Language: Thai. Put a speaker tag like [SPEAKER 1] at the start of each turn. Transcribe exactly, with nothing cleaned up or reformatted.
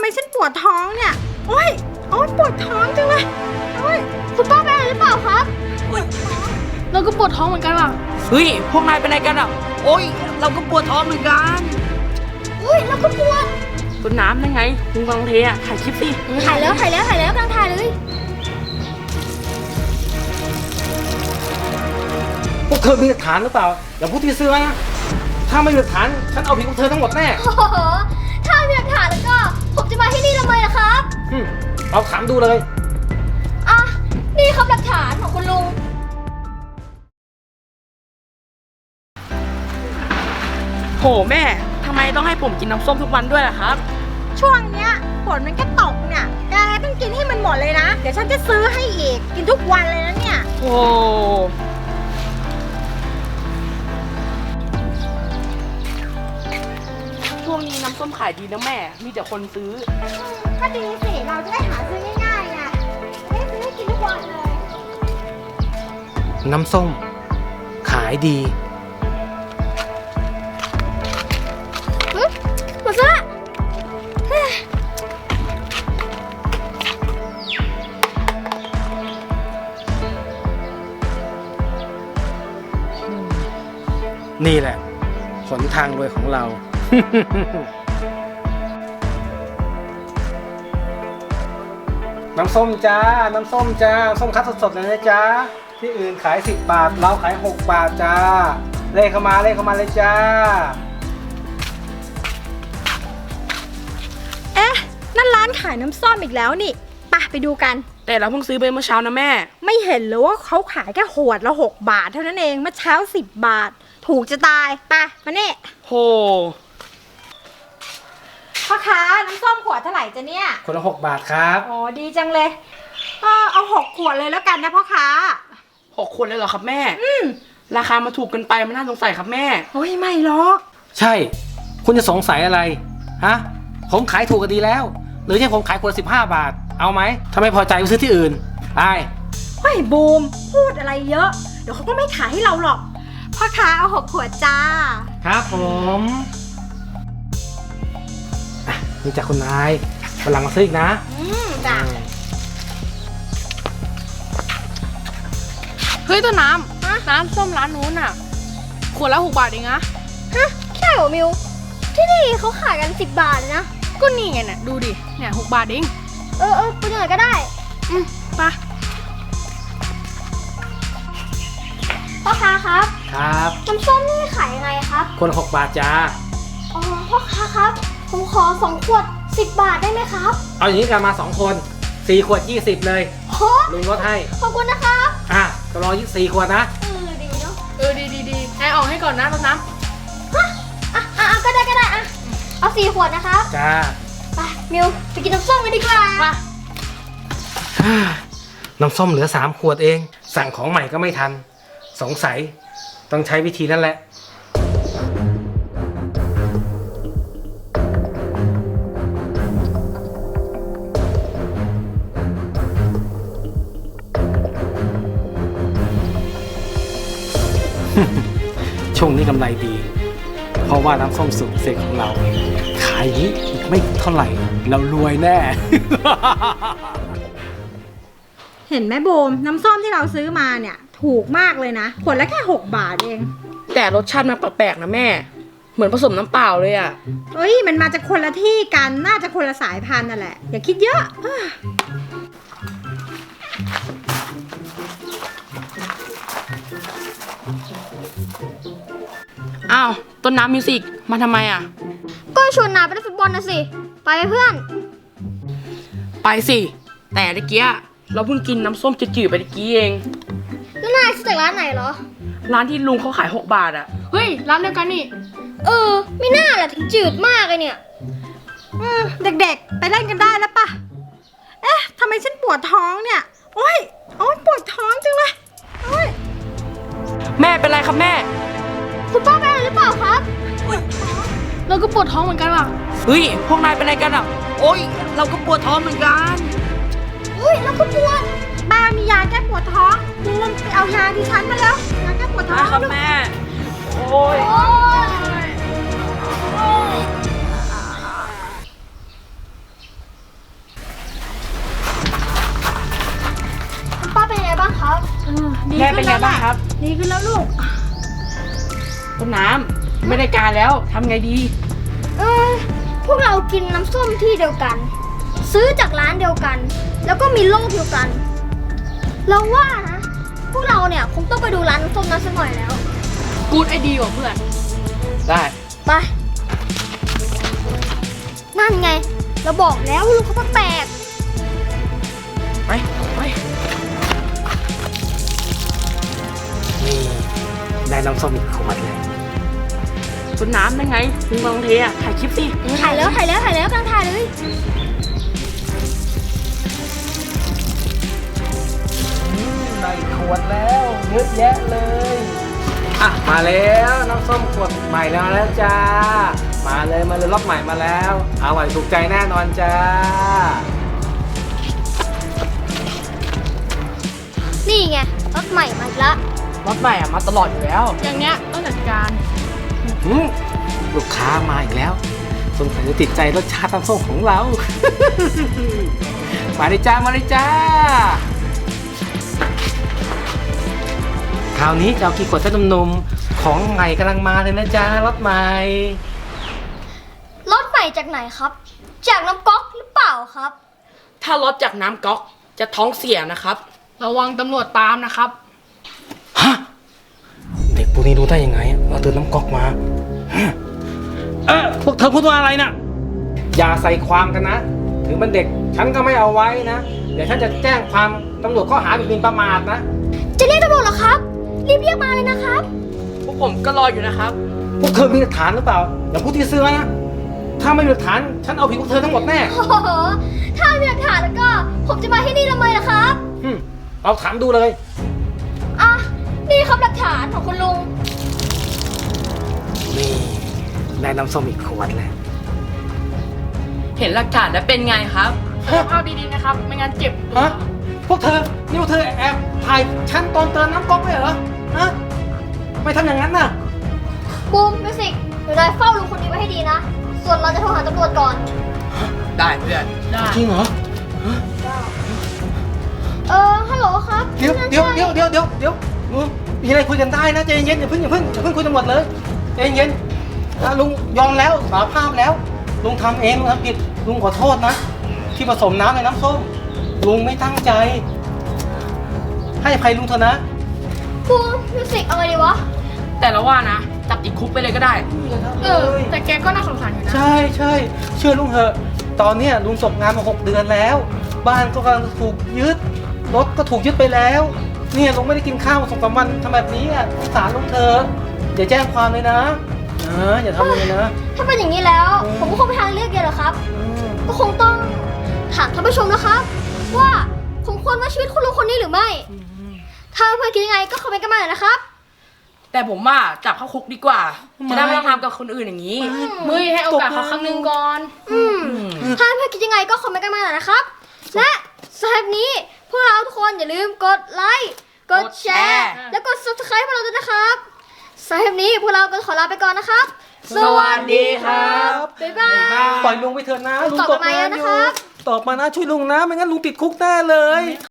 [SPEAKER 1] มฉันปวดท้องเนี่ยโอ๊ยโอ๊ยปวดท้องจังเลยโอ๊ยคุณป้าเป็นอะไรหรือเปล่าครับเราก็ปวดท้องเหมือนกันอ่ะ
[SPEAKER 2] เฮ้ยพวกนายเป็นอะไรกันอ่ะโอ๊ยเราก็ปวดท้องเหมือนกัน
[SPEAKER 1] อุ้ยเราก็ปวด
[SPEAKER 2] ต้นน้ำนั่นไงคุณกองเทอ่ะถ่ายคลิปสิ
[SPEAKER 1] ถ่ายแล้วถ่ายแล้วถ่ายแล้วกำลังถ่ายเลย
[SPEAKER 3] พวกเธอมีหลักฐานหรือเปล่าอย่าพูดที่ซื้อนะถ้าไม่มีหลักฐานฉันเอาผิดพวกเธอทั้งหมดแน่
[SPEAKER 1] โอ้โหถ้ามีหลักฐานแล้วก็ผมจะมาที่นี่ทำไมล่ะครับ
[SPEAKER 3] อืมเอาถามดูเลย
[SPEAKER 1] อ่ะนี่ครับหลักฐานของคุณลุง
[SPEAKER 2] โหแม่ทำไมต้องให้ผมกินน้ำส้มทุกวันด้วยล่ะครับ
[SPEAKER 1] ช่วงเนี้ยฝนมันก็ตกเนี่ยแกต้องกินให้มันหมดเลยนะเดี๋ยวฉันจะซื้อให้อีกกินทุกวันเลยนะเนี่ย
[SPEAKER 2] โอ้ช่วงนี้น้ำส้มขายดีนะแม่มีแต่คนซื้อ
[SPEAKER 1] ก็ดีสิเราจะได้หาซื้อง่ายๆไงได้ซื้อให้กินทุกวันเลย
[SPEAKER 3] น้ำส้มขายดี
[SPEAKER 1] หมดซะ
[SPEAKER 3] นี่แหละหนทางรวยของเรา น้ำส้มจ้าน้ำส้มจ้าส้มคั้นสดๆเลยนะจ้าที่อื่นขายสิบบาทเราขายหกบาทจ้าเลขเข้ามาเลขเข้ามาเลยจ้า
[SPEAKER 1] เอ๊ะนั่นร้านขายน้ำส้มอีกแล้วนี่ไปไปดูกัน
[SPEAKER 2] แต่เราเพิ่งซื้อไปเมื่อเช้านะแม่
[SPEAKER 1] ไม่เห็นเลยว่าเขาขายแค่ขวดละหกบาทเท่านั้นเองเมื่อเช้าสิบบาทถูกจะตายไปมาเนี่ย
[SPEAKER 2] โห
[SPEAKER 1] พ่อค้าน้ำส้มขวดเท่าไหร่จ๊ะเนี่ย
[SPEAKER 3] ขวดละหกบาทครับ
[SPEAKER 1] อ๋อดีจังเลยก็เอาหกขวดเลยแล้วกันนะพ่อค้า
[SPEAKER 2] หกขวดเลยเหรอครับแม่
[SPEAKER 1] อืม
[SPEAKER 2] ราคามาถูกเกินไปมันน่าสงสัยครับแม่
[SPEAKER 1] โอ้ยไม่หรอก
[SPEAKER 3] ใช่คุณจะสงสัยอะไรฮะผมขายถูกกันดีแล้วหรือที่ผมขายขวดสิบห้าบาทเอาไหมถ้าไม่พอใจไปซื้อที่อื่นไป
[SPEAKER 1] เฮ้ยบูมพูดอะไรเยอะเดี๋ยวเขาก็ไม่ขายให้เราหรอกพ่อค้าเอาหกขวดจ้า
[SPEAKER 3] ครับผมนี่จากคุณนายวันหลังมาซื้ออีกนะ
[SPEAKER 1] อืมจ้ะ
[SPEAKER 2] เฮ้ยต้นน้ำน้ำส้มร้านนู้นอ่ะขวดละหกบาทเองนะ
[SPEAKER 1] ฮะใช่เหรอมิวที่นี่เขาขายกันสิบบาทนะ
[SPEAKER 2] ก็นี่ไงเนี่ยดูดิเนี่ยหกบาทเอง
[SPEAKER 1] เออเออไปหน่อยก็ได้
[SPEAKER 2] อืมไป
[SPEAKER 1] พ่อค้าครับ
[SPEAKER 3] ครับ
[SPEAKER 1] น้ำส้มนี่ขายยังไงครับ
[SPEAKER 3] คนหกบาทจ้า
[SPEAKER 1] อ๋อพ่อค้าครับผมขอสองขวดสิบบาทได้ไหมครับ
[SPEAKER 3] เอาอย่างนี้กันมาสองคนสี่ขวดยี่สิบเลย
[SPEAKER 1] โห
[SPEAKER 3] ลุงลดให้
[SPEAKER 1] ขอบคุณนะครับ
[SPEAKER 3] อ่ะก็รอยี่สี่ขวดนะ
[SPEAKER 1] เออดีเนาะ
[SPEAKER 2] เออดีดีดีนายออกให้ก่อนนะต้นน้
[SPEAKER 1] ำฮะอ่ะอ่ะก็ได้ก็ได้อ่ะเอาสี่ขวดนะครับ
[SPEAKER 3] จ้า
[SPEAKER 1] ไปมิวไปกินน้ำส้มกันดีกว่า
[SPEAKER 2] ไป
[SPEAKER 3] น้ำส้มเหลือสามขวดเองสั่งของใหม่ก็ไม่ทันสงสัยต้องใช้วิธีนั่นแหละช่วงนี้กำไรดีเพราะว่าน้ำส้มสูตรพิเศษของเราขายนี้อีกไม่เท่าไหร่เรารวยแน่
[SPEAKER 1] เห็นไหมโบมน้ำส้มที่เราซื้อมาเนี่ยถูกมากเลยนะขวดละแค่หกบาทเอง
[SPEAKER 2] แต่รสชาติมันแปลกๆนะแม่เหมือนผสมน้ำเปล่าเลยอ่ะ
[SPEAKER 1] เฮ้ยมันมาจากคนละที่กันน่าจะคนละสายพันธุ์นั่นแหละอย่าคิดเยอะ
[SPEAKER 2] อ้าวต้นน้ำมิวสิกมาทำไมอ่ะ
[SPEAKER 1] ก็ชวนนายไปเล่นฟุตบอลนะสิไปเพื่อน
[SPEAKER 2] ไปสิแต่ตะเกียเราเพิ่งกินน้ำส้มจืดๆไปตะกี้เอง
[SPEAKER 1] แล้วนายซื้อจากร้านไหนเหรอ
[SPEAKER 2] ร้านที่ลุงเขาขายหกบาทอ่ะเฮ้ยร้านเดียวกันนี่
[SPEAKER 1] เออไม่น่าแหละถึงจืดมากเลยเนี่ยอืมเด็กๆไปเล่นกันได้แล้วปะเอ๊ะทำไมฉันปวดท้องเนี่ยโอ๊ยโอ๊ยปวดท้องจังเลยโอ๊ย
[SPEAKER 2] แม่เป็นไรครับแม่
[SPEAKER 1] คุณป้าเป็นอะไรหรือเปล่าครับ
[SPEAKER 2] เราก็ปวดท้องเหมือนกันอ่ะเฮ้ยพวกนายเป็นอะไรกันอ่ะโอ๊ยเราก็ปวดท้องเหมือนกัน
[SPEAKER 1] อุ้ยเราก็ปวดบ้ามียาแก้ปวดท้องบูมไปเอายาดิฉันมาแล้วยาแก้ปวดท้อง
[SPEAKER 2] ครับแม่โอ๊ย
[SPEAKER 1] ดี
[SPEAKER 2] แม่
[SPEAKER 1] ขึ้
[SPEAKER 2] เป็น
[SPEAKER 1] น
[SPEAKER 2] ไง
[SPEAKER 1] แล้ว
[SPEAKER 2] บ้าง
[SPEAKER 1] ล่ะ
[SPEAKER 2] ครับ
[SPEAKER 1] ดีขึ้นแล้วลูก
[SPEAKER 2] ต้นน้ำไม่ได้การแล้วทำไงดี
[SPEAKER 4] เออพวกเรากินน้ำส้มที่เดียวกัน ซื้อจากร้านเดียวกัน แล้วก็มีโลกเดียวกัน เราว่านะพวกเราเนี่ยคงต้องไปดูร้านน้ำส้มนั้นสักหน่อยแล้ว
[SPEAKER 2] กูดไอเดียว่ะเพื่อน ได้
[SPEAKER 4] ไป นั่นไง เราบอกแล้วลูกเขาแปลก
[SPEAKER 2] ไปไป
[SPEAKER 3] นี่ได้น้ำส้มอีกขวดเลย
[SPEAKER 2] ต้นน้ำได้ไงมึงมาลองเทอ่ะถ่ายคลิปสิ
[SPEAKER 4] ๆถ่ายแล้วถ่ายแล้วถ่ายแล้วกำลังถ่ายเลย
[SPEAKER 3] ได้ขวดแล้วเยอะแยะเลย อ่ะมาแล้วน้ำส้มขวดใหม่แล้วแล้วจ้า มาเลยมาเลยรอบใหม่มาแล้วอร่อยถูกใจแน่นอนจ้า
[SPEAKER 4] นี่ไงรถใหม่มาอีกละ
[SPEAKER 2] รถใหม่อ่ะมาตลอดอยู่แล้ว อย่างเนี้ยต้องจัดการ
[SPEAKER 3] อืมลูกค้ามาอีกแล้วสงสัยจะติดใจรสชาติน้ำส้มของเรา มาเลยจ้ามาเลยจ้า คราวนี้จะเอากี่ขวดเจ้าหนุ่มๆของใหม่กำลังมาเลยนะจ๊ะรถใหม่
[SPEAKER 4] รถใหม่จากไหนครับ จากน้ำก๊อกหรือเปล่าครับ
[SPEAKER 2] ถ้ารถจากน้ำก๊อกจะท้องเสียนะครับ ระวังตำรวจตามนะครับ
[SPEAKER 3] ฮะ เด็กพวกนี้รู้ได้ยังไงอะเราเติมน้ำก๊อกมาฮะเออพวกเธอพูดว่าอะไรนะอย่าใส่ความกันนะ ถึงเป็นเด็กฉันก็ไม่เอาไว้นะ เดี๋ยวฉันจะแจ้งความตำรวจข้อหาบิดเบือนประมาทนะ
[SPEAKER 4] จะเรียกตำรวจเหรอครับ รีบเรียกมาเลยนะครับ
[SPEAKER 2] พวกผมก็รออยู่นะครับ
[SPEAKER 3] พวกเธอมีหลักฐานหรือเปล่าอย่าพูดที่เสื้อนะ ถ้าไม่มีหลักฐานฉันเอาผิดพวกเธอทั้งหมดแน่
[SPEAKER 4] โอ้โห ถ้ามีหลักฐานแล้วก็ ผมจะมาที่นี่ทำไมล่ะครับ
[SPEAKER 3] อืมเอาถามดูเลย
[SPEAKER 4] อ่ะ นี่ครับหลักฐานของคุณลุง
[SPEAKER 3] นี่ได้น้ำส้มอีกขวดแล้ว
[SPEAKER 2] เห็นหลักฐานแล้วเป็นไงครับภาพดีๆนะครับ ไม่งั้นเจ็บตัว
[SPEAKER 3] ฮะ พวกเธอ นี่พวกเธอแอบถ่ายฉันตอนเติมน้ำก๊อกเลยเหรอ ฮะ ไม่ทำอย่างนั้นน่ะ
[SPEAKER 4] บูมมิวสิกเดี๋ยวนายเฝ้าลุงคนนี้ไว้ให้ดีนะ ส่วนเราจะโทรหาตำรวจก่อน
[SPEAKER 2] ได้เพื่อน ได้
[SPEAKER 3] จริงเหรอ
[SPEAKER 4] เออ ฮัลโหลครับ
[SPEAKER 3] เดี๋ยวเดี๋ยวเดี๋ยวเดี๋ยวเดี๋ยวเดี๋ยวอืมมีอะไรคุยกันได้นะใจเย็นๆอย่าเพิ่งอย่าเพิ่งอย่าเพิ่งคุยกันหมดเลยใจเย็นๆอ่ะลุงยอมแล้วสารภาพแล้ว ลุงทำเองลุงทำผิด ลุงขอโทษนะ ที่ผสมน้ำในน้ำส้ม ลุงไม่ตั้งใจ ให้อภัยลุงเถอะนะ
[SPEAKER 4] บูมมิวสิกเอาไงดีวะ
[SPEAKER 2] แต่ละว่านะ จับติดคุกไปเลยก็ได้ เออ แต่แกก็น่าสงสารอยู่นะ
[SPEAKER 3] ใช่ใช่เชื่อลุงเถอะ ตอนเนี้ยลุงส่งงานมาหกเดือนแล้ว บ้านก็กำลังถูกยึด รถก็ถูกยึดไปแล้ว เนี่ยลุงไม่ได้กินข้าวมาสองสามวันทำแบบนี้อ่ะสงสารลุงเถอะอย่าแจ้งความเลยนะเอออย่าทำเลยนะ
[SPEAKER 4] ถ้าเป็นอย่างนี้แล้ว ผมก็คงไปทางเลือกเดียวเหรอครับ
[SPEAKER 3] อืม
[SPEAKER 4] ก็คงต้องถามท่านผู้ชมนะครับ ว่าผมควรว่าชีวิตคุณลุงคนนี้หรือไม่ ถ้าเพื่อนคิดยังไงก็คอมเมนต์กันมาหน่อยนะครับ
[SPEAKER 2] แต่ผมว่าจับเข้าคุกดีกว่า จะได้ไม่ต้องทำกับคนอื่นอย่างนี้มึยให้โอกาสเขาครั้งหนึ่งก่อน
[SPEAKER 4] อืมถ้าเพื่อนคิดยังไงก็คอมเมนต์กันมาหน่อยนะครับ และสำหรับนี้พวกเราทุกคนอย่าลืมกดไลค์ กดแชร์ แล้วกด ซับสไครบ์ พวกเราด้วยนะครับสำหรับนี้พวกเราก็ขอลาไปก่อนนะครับ
[SPEAKER 2] สวัสดีครับ
[SPEAKER 4] บ๊ายบาย
[SPEAKER 3] ปล่อยลุงไปเถอะนะลุง
[SPEAKER 4] ตอบ
[SPEAKER 3] ต
[SPEAKER 4] กลั
[SPEAKER 3] ก
[SPEAKER 4] บมา
[SPEAKER 3] งาน
[SPEAKER 4] นะ
[SPEAKER 3] อ
[SPEAKER 4] ครั
[SPEAKER 3] ยู่
[SPEAKER 4] บ
[SPEAKER 3] ตอบมานะช่วยลุงนะไม่งั้นลุงติดคุกแน่เลย